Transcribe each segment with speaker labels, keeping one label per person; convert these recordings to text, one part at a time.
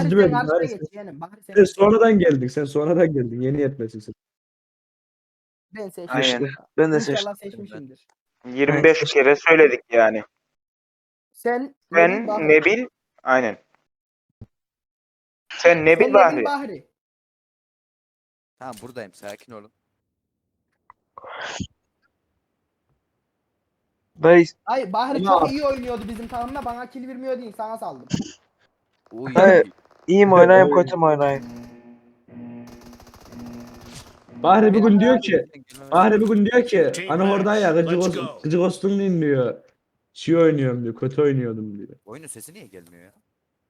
Speaker 1: İkinci
Speaker 2: sen
Speaker 1: bölüm.
Speaker 2: karşıya
Speaker 1: Bahri,
Speaker 2: geç yeğenim. Bahri
Speaker 1: sen
Speaker 2: sen
Speaker 1: sonradan geldin. Sen sonradan geldin. Yeni yetmesin.
Speaker 2: ben seçtim.
Speaker 3: Aynen. Ben de
Speaker 2: İnşallah
Speaker 3: seçtim.
Speaker 2: seçmişimdir.
Speaker 4: 25 kere söyledik yani.
Speaker 2: Sen
Speaker 4: Ben
Speaker 2: Nebil Bahri.
Speaker 4: Nebil. Aynen. Sen Nebil
Speaker 2: Sen Nebil
Speaker 4: Bahri.
Speaker 2: Bahri.
Speaker 5: Tamam buradayım, sakin olun.
Speaker 3: Dayı,
Speaker 2: Ay Bahri
Speaker 1: Ne
Speaker 2: çok
Speaker 1: yap-
Speaker 2: iyi oynuyordu bizim takımda. Bana kill vermiyor değil. Sana saldım.
Speaker 5: Uy.
Speaker 3: dayı iyi mi oynayayım kötü mü oynayayım?
Speaker 1: Bahri bugün diyor ki
Speaker 5: Gelmemesi-
Speaker 1: Bahri bugün diyor ki
Speaker 6: Team
Speaker 1: hani orada ya
Speaker 6: match, let's go.
Speaker 1: gıcık olsun dinliyor. Şey oynuyorum diyor. Kötü oynuyordum diyor.
Speaker 5: Oyunun sesi niye gelmiyor ya?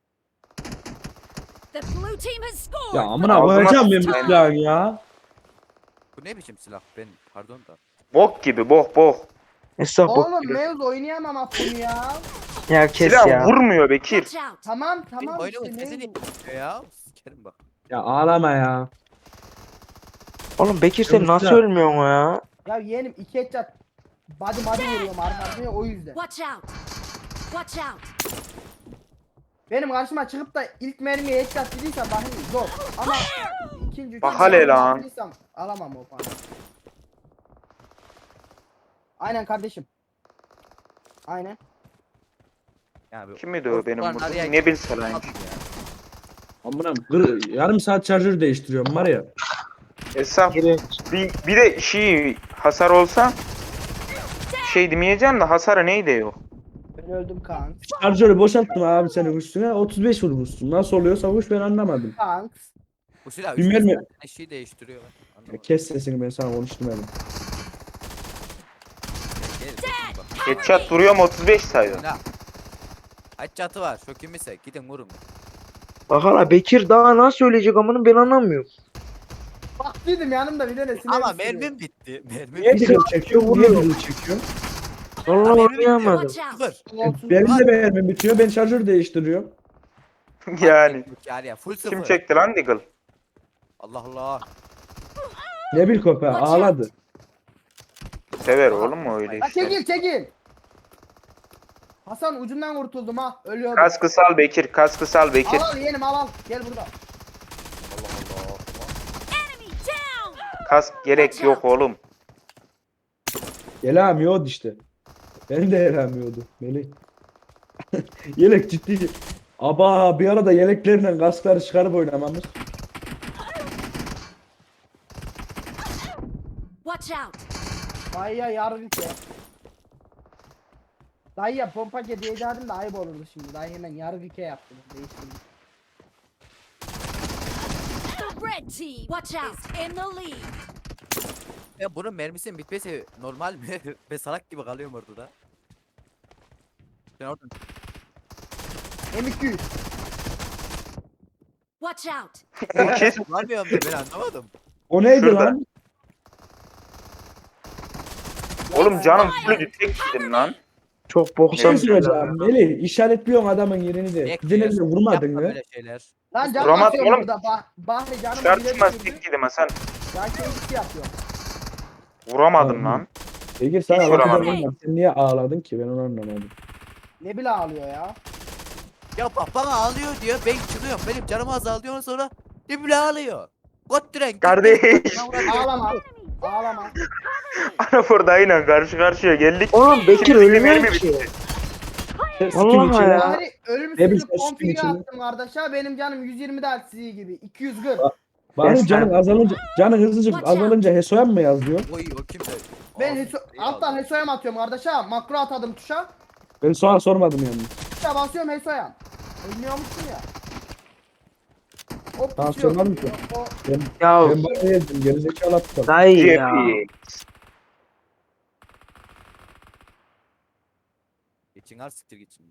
Speaker 7: The blue team has scored.
Speaker 1: Ya amına
Speaker 4: Ağzına
Speaker 1: koyacağım benim
Speaker 4: sıçayım.
Speaker 1: silahın ya.
Speaker 5: Bu ne biçim silah? Ben pardon da.
Speaker 4: Bok gibi bok.
Speaker 3: Estağfurullah.
Speaker 2: Oğlum Mevz oynayamam bunu ya.
Speaker 3: Ya kes
Speaker 4: Silah
Speaker 3: ya.
Speaker 4: vurmuyor Bekir.
Speaker 7: Watch out.
Speaker 2: Tamam
Speaker 5: Benim
Speaker 2: tamam
Speaker 5: oyunumun
Speaker 2: işte
Speaker 5: sesi niye
Speaker 2: Mevz.
Speaker 5: gelmiyor ya? Sikerim bak.
Speaker 1: Ya ağlama ya.
Speaker 3: Oğlum Bekir sen
Speaker 1: Yok,
Speaker 3: nasıl
Speaker 1: silah.
Speaker 3: ölmüyorsun ya?
Speaker 2: Ya yeğenim 2 headshot. Body vuruyorum arka arkaya o yüzden.
Speaker 7: Watch out. Watch out.
Speaker 2: Benim karşıma çıkıp da ilk mermiye headshot dediysem Bahri zor. Ama ikinci
Speaker 4: Bak hele lan.
Speaker 2: yaptıysam alamam o puanı. Aynen kardeşim. Aynen.
Speaker 5: Ya
Speaker 4: Kim miydi o benim
Speaker 5: Ortadan
Speaker 4: burada?
Speaker 5: araya
Speaker 4: Nebil
Speaker 5: girip
Speaker 4: Salay'ın.
Speaker 5: atın ya.
Speaker 1: Amına yarım saat şarjör değiştiriyorum var ya.
Speaker 4: Esaf
Speaker 3: İğrenç.
Speaker 4: bir de hasar olsa şey demeyeceğim de hasarı neydi yok.
Speaker 2: Ben öldüm kanks.
Speaker 1: Şarjörü boşalttım abi senin üstüne 35 vurmuşsun. Nasıl oluyor savuş ben anlamadım.
Speaker 2: Kanks.
Speaker 5: Bu silah
Speaker 1: Bilmiyorum
Speaker 5: 3
Speaker 1: ya.
Speaker 5: eşiği değiştiriyor.
Speaker 1: Ya
Speaker 5: Anlamadım.
Speaker 1: kes sesini ben sana konuştum dedim.
Speaker 5: Gel, bakın bak.
Speaker 4: Headshot vuruyorum 35 saydı.
Speaker 5: Ne? Kaç çatı var? Şu kimse gidin vurun.
Speaker 3: Bak hala Bekir daha nasıl ölecek amına ben anlamıyorum.
Speaker 2: Bak dedim yanımda bir tane sinir.
Speaker 5: Ama mermim bitti. Mermim
Speaker 1: Niye
Speaker 5: bitti.
Speaker 1: diril çekiyor? Niye diril çekiyor?
Speaker 3: Vallahi
Speaker 5: Mermim bitti.
Speaker 3: anlayamadım.
Speaker 7: Watch out.
Speaker 5: Sıfır.
Speaker 2: Olsun.
Speaker 1: Benim de mermim bitiyor. Ben şarjör değiştiriyorum.
Speaker 4: Yani.
Speaker 5: Ya full sıfır.
Speaker 4: Kim çekti lan Deagle?
Speaker 5: Allah Allah.
Speaker 1: Ne bil köpeği
Speaker 7: Watch
Speaker 1: ağladı.
Speaker 4: Sever oğlum mu öyle
Speaker 2: Ha
Speaker 4: işte.
Speaker 2: çekil. Hasan ucundan kurtuldum ha. Ölüyordum.
Speaker 4: Kaskı sal Bekir, kaskı sal Bekir.
Speaker 2: Al yeğenim al. Gel burada.
Speaker 5: Allah Allah.
Speaker 7: Enemy down.
Speaker 4: Kask gerek yok oğlum.
Speaker 1: Yelemiyordu işte. Benim de yelemiyordu. Melih. Yelek ciddi. Aba bir arada yeleklerinden kaskları çıkarıp oynamamız.
Speaker 7: Watch out.
Speaker 2: Dayıya yargı ya. Dayıya pompa diyecektim de ayıp olurdu şimdi. Dayı hemen yargı yaptı. Değiştirdi.
Speaker 7: The red team. Watch out. Is in the lead.
Speaker 5: Ya bunun mermisinin bitmesi normal mi? Ben salak gibi kalıyorum orada. Ben orada
Speaker 2: M200.
Speaker 7: Watch out.
Speaker 4: Bekir.
Speaker 5: kullanmıyorum da ben anlamadım.
Speaker 1: O neydi
Speaker 4: Şurada.
Speaker 1: lan?
Speaker 4: Oğlum canım full tek yedim lan.
Speaker 3: Çok
Speaker 1: Bir
Speaker 3: boksan.
Speaker 1: şey söyleyeceğim. Melih işaretliyorsun adamın yerini de.
Speaker 5: Bekliyorsun.
Speaker 1: Gidene de vurmadın
Speaker 5: Yapma
Speaker 1: mı?
Speaker 5: böyle şeyler.
Speaker 2: Lan can
Speaker 4: Vuramadım
Speaker 2: basıyorum
Speaker 4: oğlum.
Speaker 2: burada. Bahri canım
Speaker 4: Şartmaz
Speaker 2: bile
Speaker 4: tek yedim Hasan.
Speaker 2: Can kendisi yapıyor.
Speaker 4: Vuramadım lan.
Speaker 1: Peki sana
Speaker 4: Hiç
Speaker 1: bakacağım
Speaker 4: vuramadım.
Speaker 1: ama sen niye ağladın ki? Ben onu anlamadım.
Speaker 2: Ne bile ağlıyor ya.
Speaker 5: Ya bak bana ağlıyor diyor. Ben çıkıyorum. Benim canım azalıyor sonra ne bile ağlıyor. Götüren.
Speaker 4: Kardeş.
Speaker 2: Ağlama. Ağlama.
Speaker 4: Ana buradayla karşı karşıya geldik.
Speaker 3: Oğlum Bekir
Speaker 4: Şimdi
Speaker 3: ölmüyor
Speaker 4: mermi
Speaker 3: ki.
Speaker 4: bitti.
Speaker 1: Sen
Speaker 3: Vallahi
Speaker 1: sikim içine-
Speaker 3: ya.
Speaker 2: Bahri
Speaker 1: Ne
Speaker 2: ölümsüzlük
Speaker 1: bileyim,
Speaker 2: konfigi
Speaker 1: içine.
Speaker 2: attım kardeşa. Benim canım 120 daha sizi gibi. 240.
Speaker 1: Benim canın azalınca, canın hızlıcık
Speaker 7: Watch out.
Speaker 1: azalınca Hesoyan mı yazıyor?
Speaker 5: Oy o kimse.
Speaker 2: Ben
Speaker 5: Ağzını
Speaker 2: alttan
Speaker 5: aldı.
Speaker 2: Hesoyam atıyorum kardeşa. Makro atadım tuşa.
Speaker 1: Ben sonra sormadım yani.
Speaker 2: Tuşa basıyorum Hesoyam. Oynuyormuşsun ya. O
Speaker 1: Tamam,
Speaker 2: pusuyor.
Speaker 1: sormadım ki.
Speaker 2: O
Speaker 3: Ya
Speaker 1: Ben bana yedim gerizekalı aptal.
Speaker 3: dayı ya.
Speaker 4: GP.
Speaker 5: Geçin al siktir geçin.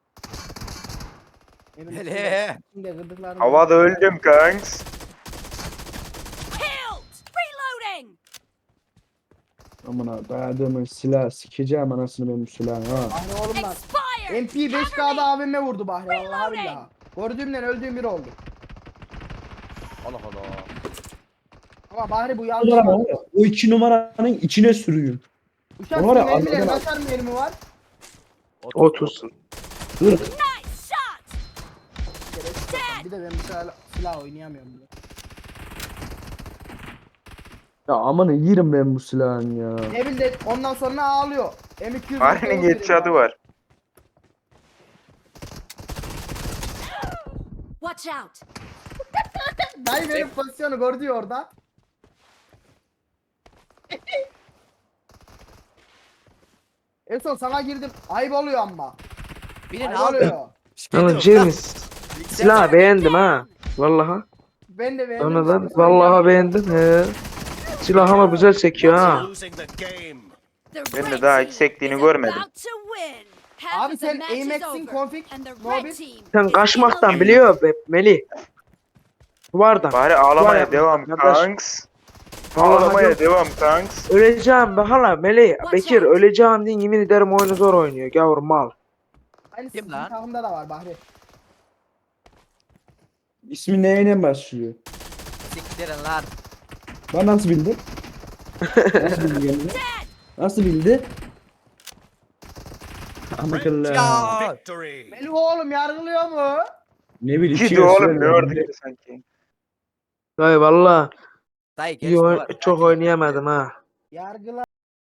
Speaker 2: benim
Speaker 5: Hele.
Speaker 2: içinde gıdıklarım.
Speaker 4: Havada öldüm kanks.
Speaker 7: Killed. Reloading.
Speaker 1: Amına dayadığımın silah sikeceğim anasını benim silahım ha.
Speaker 2: Bahri oğlum lan.
Speaker 7: Expired.
Speaker 2: MP5K'da AVM vurdu Bahri vallahi billahi. Gördüğümden öldüğüm biri oldu.
Speaker 5: Allah Allah.
Speaker 2: Ama Bahri bu yanlış.
Speaker 1: Numara
Speaker 2: oldu.
Speaker 1: var ya, o 2 numaranın içine sürüyüm.
Speaker 2: Uçak
Speaker 1: Var ya,
Speaker 2: mermileri
Speaker 1: arkadan-
Speaker 2: kaçar mermi var?
Speaker 3: 30.
Speaker 1: Hırk.
Speaker 7: Nice shot. Dead.
Speaker 2: Bir de ben bu silah oynayamıyorum bile.
Speaker 1: Ya amanı yerim ben bu silahın ya.
Speaker 2: Ne bileyim ondan sonra ağlıyor. M200
Speaker 4: Fahri'nin headshot'ı var.
Speaker 7: Watch out!
Speaker 2: Dayı benim pozisyonu gördü ya orada. En son sana girdim. Ayıp oluyor ama.
Speaker 5: Binin
Speaker 2: Ayıp
Speaker 5: abi.
Speaker 2: oluyor.
Speaker 3: Yalnız James silah beğendim ha. Vallahi.
Speaker 2: Ben de beğendim.
Speaker 3: Sonradan vallahi beğendim he. Silah ama güzel sekiyor ha.
Speaker 7: The
Speaker 4: Ben de
Speaker 7: red
Speaker 4: daha
Speaker 7: team
Speaker 4: hiç sektiğini
Speaker 7: is
Speaker 4: görmedim.
Speaker 7: about to win. Half
Speaker 2: Abi
Speaker 7: of the
Speaker 2: sen
Speaker 7: match is
Speaker 2: Amex'in
Speaker 7: over,
Speaker 2: config
Speaker 7: and the
Speaker 2: Mobil.
Speaker 7: red team
Speaker 3: Sen
Speaker 7: is
Speaker 3: kaçmaktan
Speaker 7: in the lead.
Speaker 3: biliyor be Melih. Duvardan.
Speaker 4: Fahri ağlamaya
Speaker 3: yapma,
Speaker 4: devam
Speaker 3: kardeş.
Speaker 4: kanks.
Speaker 3: Vallahi
Speaker 4: Ağlamaya
Speaker 3: yok.
Speaker 4: devam kanks.
Speaker 3: Öleceğim be hala Melih.
Speaker 7: Watch
Speaker 3: Bekir
Speaker 7: out.
Speaker 3: öleceğim diye yemin ederim oyunu zor oynuyor. Gavur mal.
Speaker 2: Aynı
Speaker 5: Kim
Speaker 2: sizin
Speaker 5: lan?
Speaker 2: takımda da var Bahri.
Speaker 1: İsmi neyle başlıyor?
Speaker 5: Siktirin lan.
Speaker 1: Ben nasıl bildin? Nasıl bildi kendini? Nasıl bildi? Amakallah.
Speaker 5: Ya.
Speaker 2: Melih oğlum yargılıyor mu?
Speaker 1: Ne bileyim.
Speaker 4: Gidi
Speaker 1: şey
Speaker 4: oğlum
Speaker 1: söyle.
Speaker 4: ne orada sanki.
Speaker 3: Dayı valla
Speaker 5: Dayı
Speaker 3: iyi
Speaker 5: geç duvar.
Speaker 3: çok oynayamadım ha.
Speaker 2: Yargıla.